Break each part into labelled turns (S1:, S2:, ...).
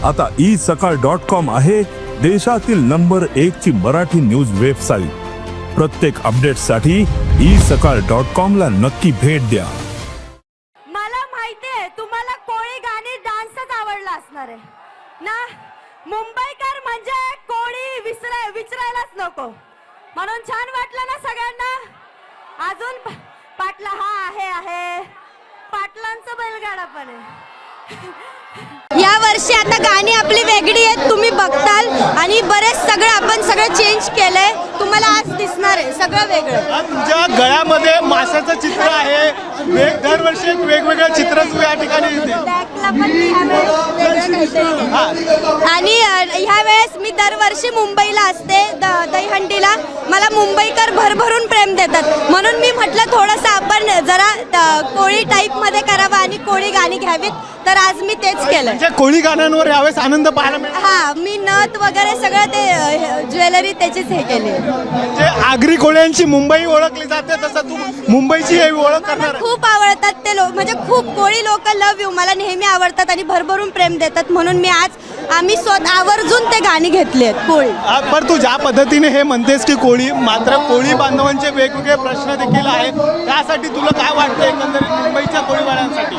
S1: आता isakal.com आहे देशातील नंबर 1 ची मराठी न्यूज वेबसाईट। प्रत्येक अपडेटसाठी isakal.com ला नक्की भेट द्या।
S2: मला माहितीये तुम्हाला कोळी गाणी डान्सच आवडला असणार आहे ना। मुंबईकर म्हणजे कोळी विसरायलाच नको, म्हणून छान वाटलं ना सगळ्यांना। अजून पाटला आहे पाटलांचा बैलगाडा पण आहे। या वर्षी आता गाणी आपली वेगळी आहेत, तुम्ही बघताल आणि बरेच आपण सगळं चेंज केलंय, तुम्हाला आज दिसणार आहे सगळं वेगळं।
S3: तुमच्या गळ्यामध्ये माशाचं चित्र आहे, दरवर्षी एक वेगवेगळं चित्र या ठिकाणी येते।
S2: आणि ह्या वेळेस मी दरवर्षी मुंबईला असते दहीहंडीला, मला मुंबईकर भरभरून प्रेम देतात, म्हणून मी म्हटलं थोडंसं आपण जरा कोळी टाईप मध्ये करावं आणि कोळी गाणी घ्यावीत, तर आज मी तेच केलं।
S3: म्हणजे कोळी गाण्यांवर यावेळेस आनंद पाहायला मिळाला।
S2: हा, मी नथ वगैरे सगळं ते ज्वेलरी त्याचीच हे केली।
S3: म्हणजे आगरी कोळ्यांची मुंबई ओळखली जाते, तसं तू मुंबईची हे ओळख करणार।
S2: खूप आवडतात ते लोक, म्हणजे खूप कोळी लोक लव यू मला नेहमी आवडतात आणि भरभरून प्रेम देतात, म्हणून मी आज आम्ही स्वतः आवर्जून ते गाणी घेतली आहेत कोळी।
S3: पण तू ज्या पद्धतीने हे म्हणतेस की कोळी, मात्र कोळी बांधवांचे वेगवेगळे प्रश्न देखील आहेत, त्यासाठी तुला काय वाटतं एकंदरीत मुंबईच्या कोळीवाल्यांसाठी?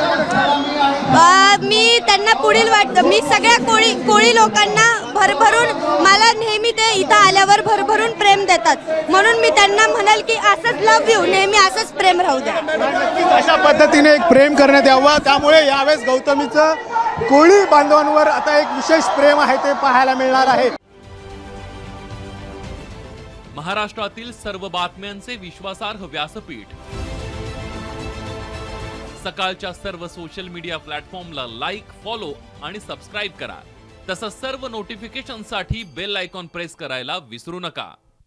S2: मी त्यांना पुढील वाटतं, मी सगळ्या कोळी लोकांना भरभरून, मला नेहमी ते इथं आल्यावर भरभरून प्रेम देतात, म्हणून मी त्यांना म्हणाल की असंच लव यू, नेहमी असंच प्रेम राहू द्या।
S3: अशा पद्धतीने एक प्रेम करण्यात यावं, त्यामुळे यावेळेस गौतमीचं कोळी बांधवांवर आता एक विशेष प्रेम आहे ते पाहायला मिळणार आहे।
S4: महाराष्ट्रातील सर्व बातम्यांचे विश्वासार्ह व्यासपीठ, सकाळच्या सर्व सोशल मीडिया प्लॅटफॉर्मला लाईक, फॉलो आणि सबस्क्राईब करा। तसंच सर्व नोटिफिकेशनसाठी बेल आयकॉन प्रेस करायला विसरू नका।